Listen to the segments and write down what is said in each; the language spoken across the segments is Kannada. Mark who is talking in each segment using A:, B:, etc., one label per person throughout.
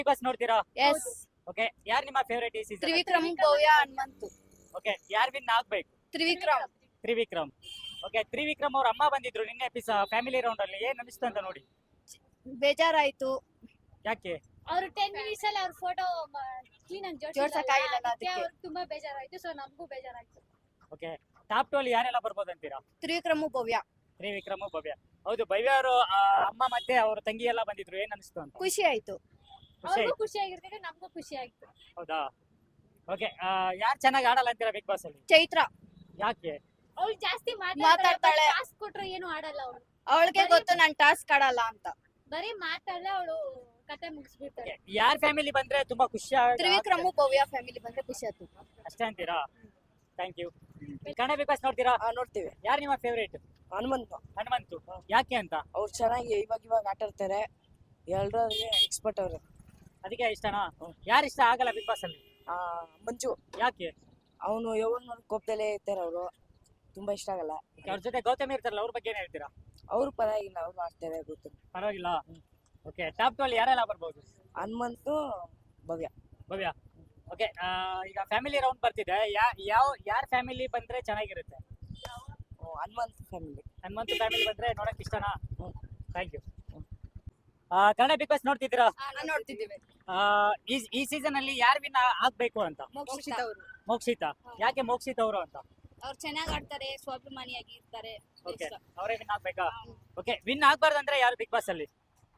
A: ಬಸ್ ನೋಡ್ತೀರಾ?
B: ಎಸ್.
A: ಓಕೆ, ಯಾರು ನಿಮ್ಮ ಫೇವರೇಟ್ ಈ ಸೀಸನ್?
B: ತ್ರಿವಿಕ್ರಮ್, ಭವ್ಯ, ಹನುಮಂತು.
A: ಓಕೆ, ಯಾರು ವಿನ್ ಆಗ್ಬೇಕು?
B: ತ್ರಿವಿಕ್ರಮ್.
A: ತ್ರಿವಿಕ್ರಮ್. ಓಕೆ, ತ್ರಿವಿಕ್ರಮ್ ಅವ್ರ ಅಮ್ಮ ಬಂದಿದ್ರು ನಿನ್ನೆ ಫ್ಯಾಮಿಲಿ ರೌಂಡ್ ಅಲ್ಲಿ. ಏನ್ ಅನಿಸ್ತು ಅಂತ ನೋಡಿ?
B: ಬೇಜಾರಾಯ್ತು.
A: ಯಾಕೆ?
C: ಅವ್ರು 10 ಮಿನಿಟ್ಸ್ ಅಲ್ಲಿ ಅವ್ರ ಫೋಟೋ ಕ್ಲೀನ್ ಆಗಿ
B: ಜೋಡ್ಸಕ್ಕಾಗಿಲ್ಲ ಅದಕ್ಕೆ.
C: ಅವ್ರಿಗೆ ತುಂಬಾ ಬೇಜಾರಾಯ್ತು. ಸೊ ನಮಗೂ ಬೇಜಾರಾಯ್ತು.
A: ಓಕೆ, ಟಾಪ್ 2 ಅಲ್ಲಿ ಯಾರೆಲ್ಲ ಬರ್ಬೋದು ಅಂತೀರಾ?
B: ತ್ರಿವಿಕ್ರಮ್, ಭವ್ಯ.
A: ತ್ರಿವಿಕ್ರಮ್, ಭವ್ಯ. ಹೌದು, ಭವ್ಯ ಅವರು ಅಮ್ಮ ಮತ್ತೆ ಅವ್ರ ತಂಗಿ ಎಲ್ಲ ಬಂದಿದ್ರು. ಏನ್ ಅನಿಸ್ತು ಅಂತ?
B: ಖುಷಿ ಆಯ್ತು.
A: ಖುಷಿ
C: ಅವ್ರಿಗೂ
A: ಆಯ್ತು.
C: ಖುಷಿ ಆಗಿರ್ತದೆ, ನಮಗೂ ಖುಷಿ ಆಯ್ತು.
A: ಹೌದಾ? ಓಕೆ, ಯಾರು ಚೆನ್ನಾಗಿ ಆಡಲ್ಲ ಅಂತೀರಾ ಬಿಗ್ ಬಾಸ್ ಅಲ್ಲಿ?
B: ಚೈತ್ರ.
A: ಯಾಕೆ?
C: ಅವ್ಳು ಜಾಸ್ತಿ
B: ಮಾತಾಡ್ತಾಳೆ.
C: ಟಾಸ್ಕ್ ಕೊಟ್ರು ಏನು ಆಡಲ್ಲ ಅವಳು.
B: ಅವಳಿಗೆ ಗೊತ್ತು ನಾನ್ ಟಾಸ್ಕ್ ಆಡಲ್ಲ ಅಂತ.
C: ಬರೀ ಮಾತಾಡಲ್ಲ ಅವಳು, ಕತೆ ಮುಗಿಸ್ಬಿಡ್ತಾಳೆ.
A: ಯಾರ ಫ್ಯಾಮಿಲಿ ಬಂದ್ರೆ ತುಂಬಾ ಖುಷಿ
B: ತ್ರಿವಿಕ್ರಮ್, ಭವ್ಯ ಫ್ಯಾಮಿಲಿ ಬಂದ್ರೆ ಖುಷಿ ಆಯ್ತು.
A: ಅಷ್ಟೇ ಅಂತೀರಾ? Thank you. Kannada big boss ನೋಡ್ತೀರಾ?
D: ನೋಡ್ತೀವಿ.
A: ಯಾರು ನಿಮ್ಮ ಫೇವರೇಟ್?
D: ಹನುಮಂತ
A: ಹನುಮಂತು. ಯಾಕೆ ಅಂತ?
D: ಅವ್ರು ಚೆನ್ನಾಗಿ ಇವಾಗ ಆಟ ಆಡ್ತಾರೆ. ಎಲ್ಲರಿಗೆ ಎಕ್ಸ್ಪರ್ಟ್ ಅವ್ರು.
A: ಅದಕ್ಕೆ ಇಷ್ಟನಾ? ಯಾರು ಇಷ್ಟ ಆಗಲ್ಲ ಬಿಗ್ ಬಾಸ್ ಅಲ್ಲಿ?
D: ಮಂಜು.
A: ಯಾಕೆ?
D: ಅವನು ಯಾವಾಗ ಕೋಪದಲ್ಲೇ ಇರ್ತಾರೆ. ಅವರು ತುಂಬಾ ಇಷ್ಟ ಆಗಲ್ಲ.
A: ಅವ್ರ ಜೊತೆ ಗೌತಮಿ ಇರ್ತಾರಲ್ಲ, ಅವ್ರ ಬಗ್ಗೆ ಏನ್ ಹೇಳ್ತೀರಾ?
D: ಅವ್ರು ಪರವಾಗಿಲ್ಲ, ಅವ್ರು ಆಡ್ತಾರೆ ಗೊತ್ತು.
A: ಪರವಾಗಿಲ್ಲ. ಓಕೆ, ಟಾಪ್ 2 ಅಲ್ಲಿ ಯಾರೆಲ್ಲ ಬರ್ಬೋದು?
D: ಹನುಮಂತು, ಭವ್ಯ.
A: ಭವ್ಯ. ಓಕೆ, ಈಗ ಫ್ಯಾಮಿಲಿ ರೌಂಡ್ ಬರ್ತಿದೆ. ಯಾರ ಫ್ಯಾಮಿಲಿ ಬಂದ್ರೆ ಚೆನ್ನಾಗಿರುತ್ತೆ?
D: ಹನುಮಂತ್ ಫ್ಯಾಮಿಲಿ.
A: ಹನುಮಂತು ಫ್ಯಾಮಿಲಿ ಬಂದ್ರೆ ನೋಡಕ್ ಇಷ್ಟನಾ? Thank you. Kannada big boss ನೋಡ್ತಿದ್ದೀರಾ?
B: ನೋಡ್ತಿದ್ದೀವಿ.
A: ಈ ಸೀಸನ್ ಅಲ್ಲಿ ಯಾರು ವಿನ್ ಆಗ್ಬೇಕು ಅಂತ?
B: ಮೋಕ್ಷಿತ ಅವರು.
A: ಮೋಕ್ಷಿತ. ಯಾಕೆ ಮೋಕ್ಷಿತ ಅವರು ಅಂತ?
B: ಅವ್ರು ಚೆನ್ನಾಗಿ ಆಡ್ತಾರೆ, ಸ್ವಾಭಿಮಾನಿಯಾಗಿ ಇರ್ತಾರೆ.
A: ಓಕೆ, ಅವರೇ ವಿನ್ ಆಗ್ಬೇಕಾ? ಓಕೆ, ವಿನ್ ಆಗ್ಬಾರ್ದಂದ್ರೆ ಯಾರು ಬಿಗ್ ಬಾಸ್ ಅಲ್ಲಿ?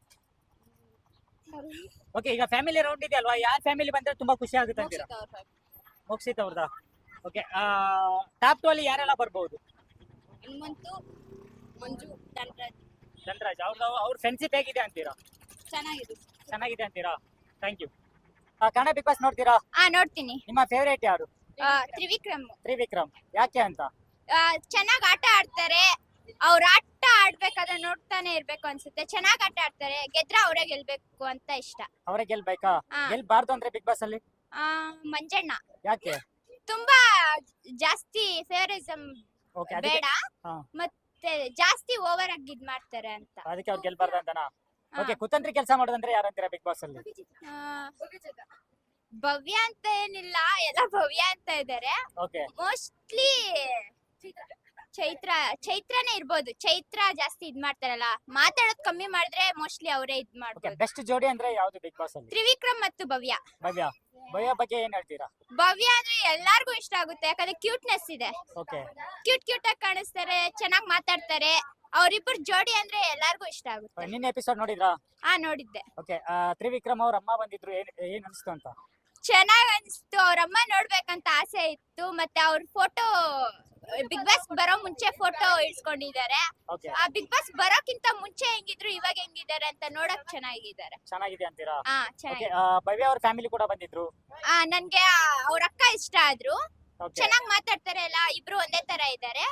A: ಓಕೆ, ಈಗ ಫ್ಯಾಮಿಲಿ ರೌಂಡ್ ಇದೆ ಅಲ್ವಾ, ಯಾರ ಫ್ಯಾಮಿಲಿ ಬಂದ್ರೆ ತುಂಬಾ ಖುಷಿ ಆಗುತ್ತೆ ಅಂತೀರಾ? ಮೋಕ್ಷಿತ್ ಅವ್ರದಾ? ಓಕೆ, ಟಾಪ್ 2 ಅಲ್ಲಿ ಯಾರೆಲ್ಲ ಬರ್ಬೋದು?
B: ಹನುಮಂತು, ಮಂಜು, ಧನರಾಜ್.
A: ಧನರಾಜ್. ಅವ್ರ ಫ್ರೆಂಡ್ಶಿಪ್ ಹೇಗಿದೆ ಅಂತೀರಾ?
B: ಚೆನ್ನಾಗಿದೆ.
A: ಚೆನ್ನಾಗಿದೆ ಅಂತೀರಾ? Thank you. Kannada big boss ನೋಡ್ತೀರಾ?
B: ನೋಡ್ತೀನಿ.
A: ನಿಮ್ಮ ಫೇವರೇಟ್ ಯಾರು?
B: ತ್ರಿವಿಕ್ರಮ್.
A: ತ್ರಿವಿಕ್ರಮ್. ಯಾಕೆ ಅಂತ?
B: ಚೆನ್ನಾಗಿ ಆಟ ಆಡ್ತಾರೆ. ಅವ್ರ ಆಟ ಆಡ್ಬೇಕಾದ್ರೆ ನೋಡ್ತಾನೆ ಇರ್ಬೇಕು ಅನ್ಸುತ್ತೆ. ಚೆನ್ನಾಗಿ ಆಟ ಆಡ್ತಾರೆ. ಗೆದ್ರ ಅವರೇ ಗೆಲ್ಬೇಕು ಅಂತ ಇಷ್ಟ.
A: ಅವರೇ ಗೆಲ್ಬೇಕಾ? ಗೆಲ್ಬಾರ್ದು ಅಂದ್ರೆ ಬಿಗ್ ಬಾಸ್ ಅಲ್ಲಿ?
B: ಮಂಜಣ್ಣ
A: ಯಾಕೆ?
B: ತುಂಬಾ ಜಾಸ್ತಿ ಫೇವರಿಸಂ
A: ಓಕೆ,
B: ಬೇಡ,
A: ಹಾ.
B: ಮತ್ತೆ ಜಾಸ್ತಿ ಓವರ್ ಆಗಿ ಇದ್ ಮಾಡ್ತಾರೆ ಅಂತ.
A: ಅದಕ್ಕೆ ಅವ್ರು ಗೆಲ್ಬಾರ್ದು ಅಂತನಾ? ಓಕೆ, ಕುತಂತ್ರಿ ಕೆಲಸ ಮಾಡೋದಂದ್ರೆ ಯಾರು ಅಂತೀರಾ ಬಿಗ್ ಬಾಸ್ ಅಲ್ಲಿ?
B: ಭವ್ಯ ಅಂತ ಏನಿಲ್ಲ, ಎಲ್ಲ ಭವ್ಯ ಅಂತ ಇದಾರೆ.
A: ಓಕೆ,
B: ಮೋಸ್ಟ್ಲಿ ಚೈತ್ರನೇ ಇರ್ಬೋದು. ಚೈತ್ರ ಜಾಸ್ತಿ ಇದ್ ಮಾಡ್ತಾರಲ್ಲ, ಮಾತಾಡೋದ್ ಕಮ್ಮಿ ಮಾಡಿದ್ರೆ ಮೋಸ್ಟ್ಲಿ ಅವರೇ ಇದ್
A: ಓಕೆ.
B: ಮಾಡ್ಬೋದು.
A: ಬೆಸ್ಟ್ ಜೋಡಿ ಅಂದ್ರೆ ಯಾವ್ದು ಬಿಗ್ ಬಾಸ್ ಅಲ್ಲಿ?
B: ತ್ರಿವಿಕ್ರಮ್ ಮತ್ತು ಭವ್ಯ.
A: ಭವ್ಯ. ಭವ್ಯ ಬಗ್ಗೆ ಏನ್ ಹೇಳ್ತೀರಾ?
B: ಭವ್ಯ ಅಂದ್ರೆ ಎಲ್ಲಾರ್ಗು ಇಷ್ಟ ಆಗುತ್ತೆ, ಯಾಕಂದ್ರೆ ಕ್ಯೂಟ್ನೆಸ್ ಇದೆ.
A: ಓಕೆ,
B: ಕ್ಯೂಟ್ ಆಗಿ ಕಾಣಿಸ್ತಾರೆ, ಚೆನ್ನಾಗಿ ಮಾತಾಡ್ತಾರೆ. ಅವ್ರಿಬ್ರು ಜೋಡಿ ಅಂದ್ರೆ ಎಲ್ಲಾರ್ಗು ಇಷ್ಟ ಆಗುತ್ತೆ.
A: ನಿನ್ನೆ ಎಪಿಸೋಡ್ ನೋಡಿದ್ರಾ?
B: ನೋಡಿದ್ದೆ.
A: ಓಕೆ, ತ್ರಿವಿಕ್ರಮ್ ಅವ್ರ ಅಮ್ಮ ಬಂದಿದ್ರು. ಏನ್ ಅನಿಸ್ತು ಅಂತ?
B: ಚೆನ್ನಾಗ್ ಅನ್ಸ್ತು. ಅವ್ರಮ್ಮ ನೋಡ್ಬೇಕಂತ ಆಸೆ ಇತ್ತು. ಮತ್ತೆ ಅವ್ರ ಫೋಟೋ ಬಿಗ್ ಬಾಸ್ ಬರೋ ಮುಂಚೆ ಫೋಟೋ ಇಡ್ಸ್ಕೊಂಡಿದ್ದಾರೆ.
A: ಓಕೆ,
B: ಆ ಬಿಗ್ ಬಾಸ್ ಬರೋಕ್ಕಿಂತ ಮುಂಚೆ ಹೆಂಗಿದ್ರು ಇವಾಗ ಹೆಂಗಿದ್ದಾರೆ ಅಂತ ನೋಡಕ್ ಚೆನ್ನಾಗಿದ್ದಾರೆ.
A: ಚೆನ್ನಾಗಿದೆ ಅಂತೀರಾ? ಓಕೆ,
B: ಚೆನ್ನಾಗಿ.
A: ಭವ್ಯ ಅವ್ರ ಫ್ಯಾಮಿಲಿ ಕೂಡ ಬಂದಿದ್ರು.
B: ನನ್ಗೆ ಅವ್ರ ಅಕ್ಕ ಇಷ್ಟ ಆದ್ರು.
A: ಓಕೆ,
B: ಚೆನ್ನಾಗ್ ಮಾತಾಡ್ತಾರೆ ಎಲ್ಲ. ಇಬ್ರು ಒಂದೇ ತರ ಇದ್ದಾರೆ.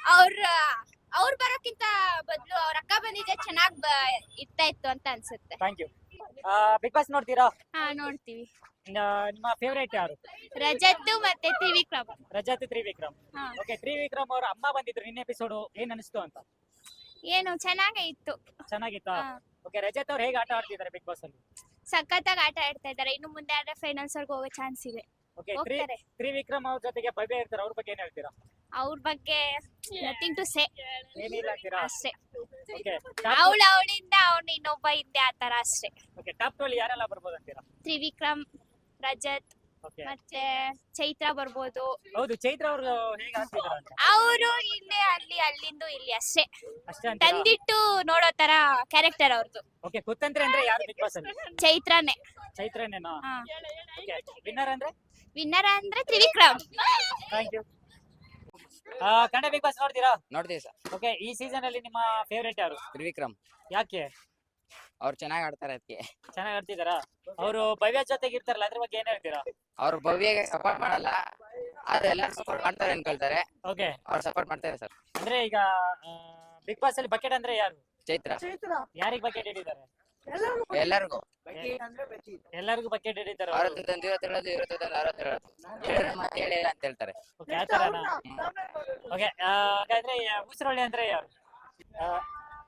B: ಅವ್ರು ಬರೋಕ್ಕಿಂತ ಬದಲು ಅವ್ರ ಅಕ್ಕ ಬಂದಿದ್ರೆ ಚೆನ್ನಾಗ್ ಇರ್ತಾ ಇತ್ತು ಅಂತ ಅನ್ಸುತ್ತೆ.
A: Thank you. ಬಿಗ್ ಬಾಸ್ ನೋಡ್ತೀರಾ?
B: ನೋಡ್ತೀವಿ.
A: ನಿಮ್ಮ ಫೇವರೇಟ್ ಯಾರು?
B: ರಜತ್ ಮತ್ತೆ ತ್ರಿವಿಕ್ರಮ್.
A: ರಜತ್, ತ್ರಿವಿಕ್ರಮ್. ಓಕೆ, ತ್ರಿವಿಕ್ರಮ್ ಅವ್ರ ಅಮ್ಮ ಬಂದಿದ್ರು ನಿನ್ನೆ ಎಪಿಸೋಡ್. ಏನ್ ಅನಿಸ್ತು ಅಂತ?
B: ಏನು ಚೆನ್ನಾಗೇ ಇತ್ತು.
A: ಚೆನ್ನಾಗಿತ್ತಾ? ಓಕೆ, ರಜತ್ ಅವ್ರು ಹೇಗೆ ಆಟ ಆಡ್ತಿದ್ದಾರೆ ಬಿಗ್ ಬಾಸ್ ಅಲ್ಲಿ?
B: ಸಖತ್ತಾಗಿ ಆಟ ಆಡ್ತಾ ಇದ್ದಾರೆ. ಇನ್ನು ಮುಂದೆ ಆದ್ರೆ ಫೈನಲ್ಸ್ ವರ್ಗೂ ಹೋಗೋ ಚಾನ್ಸ್ ಇದೆ.
A: ಓಕೆ,
B: ಹೋಗ್ತಾರೆ.
A: ತ್ರಿವಿಕ್ರಮ್ ಅವ್ರ ಜೊತೆಗೆ ಭವ್ಯ ಇರ್ತಾರೆ. ಅವ್ರ ಬಗ್ಗೆ ಏನ್ ಹೇಳ್ತೀರಾ?
B: ಅವ್ರ ಬಗ್ಗೆ ನಥಿಂಗ್ ಟು ಸೇ.
A: ಏನಿಲ್ಲ ಅಂತೀರಾ?
B: ಅಷ್ಟೇ.
A: ಓಕೆ,
B: ಅವಳಿಂದ ಅವ್ನು ಇನ್ನೊಬ್ಬ ಹಿಂದೆ ಆತರ ಅಷ್ಟೇ.
A: ಓಕೆ, ಟಾಪ್ 2 ಅಲ್ಲಿ ಯಾರೆಲ್ಲ ಬರ್ಬೋದು ಅಂತೀರಾ?
B: ತ್ರಿವಿಕ್ರಮ್, ರಜತ್
A: ಓಕೆ,
B: ಮತ್ತೆ ಚೈತ್ರ ಬರ್ಬೋದು.
A: ಹೌದು, ಚೈತ್ರ ಅವರು ಹೇಗೆ ಆಡ್ತಿದ್ದಾರೆ ಅಂತ?
B: ಅವರು ಇಲ್ಲಿ ಅಲ್ಲಿಂದು ಇಲ್ಲಿ ಅಷ್ಟೇ.
A: ಅಷ್ಟೇ ಅಂತೀರಾ?
B: ತಂದಿಟ್ಟು ನೋಡೋ ತರ ಕ್ಯಾರೆಕ್ಟರ್ ಅವ್ರದ್ದು.
A: ಓಕೆ, ಕುತಂತ್ರಿ ಅಂದ್ರೆ ಯಾರು ಬಿಗ್ ಬಾಸ್ ಅಲ್ಲಿ?
B: ಚೈತ್ರನೇ.
A: ಚೈತ್ರನೇನಾ? ಓಕೆ, ವಿನ್ನರ್ ಅಂದ್ರೆ?
B: ವಿನ್ನರ್ ಅಂದ್ರೆ Trivikram.
A: Thank you. Kannada big boss ನೋಡ್ತೀರಾ?
E: ನೋಡ್ತೀವಿ ಸರ್.
A: ಓಕೆ, ಈ ಸೀಸನ್ ಅಲ್ಲಿ ನಿಮ್ಮ ಫೇವರೇಟ್ ಯಾರು?
E: ತ್ರಿವಿಕ್ರಮ್.
A: ಯಾಕೆ?
E: ಅವ್ರು ಚೆನ್ನಾಗಿ ಆಡ್ತಾರೆ. ಅದಕ್ಕೆ
A: ಚೆನ್ನಾಗಿ ಆಡ್ತಿದಾರಾ? ಅವರು ಭವ್ಯ ಜೊತೆಗೆ ಇರ್ತಾರಲ್ಲ, ಅದ್ರ ಬಗ್ಗೆ ಏನ್ ಹೇಳ್ತೀರಾ?
E: ಅವ್ರು ಭವ್ಯಗೆ ಸಪೋರ್ಟ್ ಮಾಡಲ್ಲ, ಆದ್ರೆ ಎಲ್ಲ ಸಪೋರ್ಟ್ ಮಾಡ್ತಾರೆ ಅನ್ಕೊಳ್ತಾರೆ.
A: ಓಕೆ,
E: ಅವ್ರು ಸಪೋರ್ಟ್ ಮಾಡ್ತಾರೆ ಸರ್.
A: ಅಂದ್ರೆ ಈಗ ಬಿಗ್ ಬಾಸ್ ಅಲ್ಲಿ ಬಕೆಟ್ ಅಂದ್ರೆ ಯಾರು?
E: ಚೈತ್ರ.
A: ಯಾರಿಗ್ ಬಕೆಟ್ ಹಿಡಿತಾರೆ?
E: ಎಲ್ಲರಿಗೂ
A: ಎಲ್ಲರಿಗೂ ಬಕೆಟ್ ಹಿಡಿತಾರೆ.
E: ಅವ್ರ ತಂದು 50 ಹೇಳೋದು, 50 ತಂದು 60 ಹೇಳೋದು, ಹೇಳಿದ್ರೆ ಮತ್ತೆ ಹೇಳಿಲ್ಲ ಅಂತ ಹೇಳ್ತಾರೆ.
A: ಓಕೆ, ಆ ತರನಾ? ಓಕೆ, ಹಾಗಾದ್ರೆ ಉಸಿರೊಳ್ಳೆ ಅಂದ್ರೆ ಯಾರು?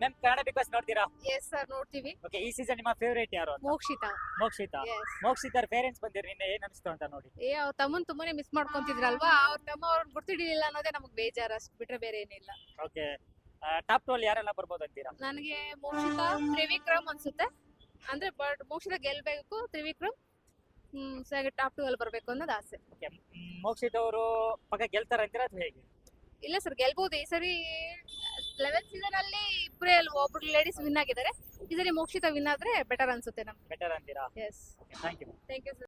A: ಮ್ಯಾಮ್ ಕನ್ನಡ ಬಿಗ್ ಬಾಸ್ ನೋಡ್ತೀರಾ?
F: ಎಸ್ ಸರ್ ನೋಡ್ತೀವಿ.
A: ಓಕೆ, ಈ ಸೀಸನ್ ನಿಮ್ಮ ಫೇವರೇಟ್ ಯಾರು ಅಂತ?
F: ಮೋಕ್ಷಿತಾ.
A: ಮೋಕ್ಷಿತಾ.
F: ಎಸ್.
A: ಮೋಕ್ಷಿತಾರ್ ಪೇರೆಂಟ್ಸ್ ಬಂದಿರ್ ನಿನ್ನೆ ಏನ್ ಅನಿಸ್ತು ಅಂತ ನೋಡಿ?
F: ಅವ್ರ ತಮ್ಮನ್ ತುಂಬಾನೇ ಮಿಸ್ ಮಾಡ್ಕೊಂತಿದ್ರಲ್ವಾ, ಅವ್ರ ತಮ್ಮ ಅವ್ರನ್ನ ಗುರ್ತಿಡಿಲಿಲ್ಲ ಅನ್ನೋದೇ ನಮಗ್ ಬೇಜಾರು, ಅಷ್ಟ್ ಬಿಟ್ರೆ ಬೇರೆ ಏನಿಲ್ಲ.
A: ಓಕೆ, ಟಾಪ್ 2 ಅಲ್ಲಿ ಯಾರೆಲ್ಲ ಬರ್ಬೋದು ಅಂತೀರಾ?
F: ನನಗೆ ಮೋಕ್ಷಿತಾ, ತ್ರಿವಿಕ್ರಮ್ ಅನ್ಸುತ್ತೆ. ಅಂದ್ರೆ ಬಟ್ ಮೋಕ್ಷಿತಾ ಗೆಲ್ಬೇಕು, ತ್ರಿವಿಕ್ರಮ್ ಟಾಪ್ 2 ಅಲ್ಲಿ ಬರ್ಬೇಕು ಅನ್ನೋದು ಆಸೆ.
A: ಓಕೆ, ಮೋಕ್ಷಿತ್ ಅವರು ಪಕ್ಕ ಗೆಲ್ತಾರ ಅಂತೀರಾ ಅಥವಾ ಹೇಗೆ?
F: ಇಲ್ಲ ಸರ್, ಗೆಲ್ಬಹುದು. ಈ ಸರಿ 11th ಸೀಸನ್ ಅಲ್ಲಿ ಇಬ್ಬರೇ ಒಬ್ರು ಲೇಡೀಸ್ ವಿನ್ ಆಗಿದ್ದಾರೆ. ಈ ಸರಿ ಮೋಕ್ಷಿತಾ ವಿನ್ ಆದ್ರೆ ಬೆಟರ್ ಅನ್ಸುತ್ತೆ ನಮ್ಗೆ.
A: ಬೆಟರ್ ಅಂತೀರಾ?
F: Yes,
A: thank you.
F: Thank you sir.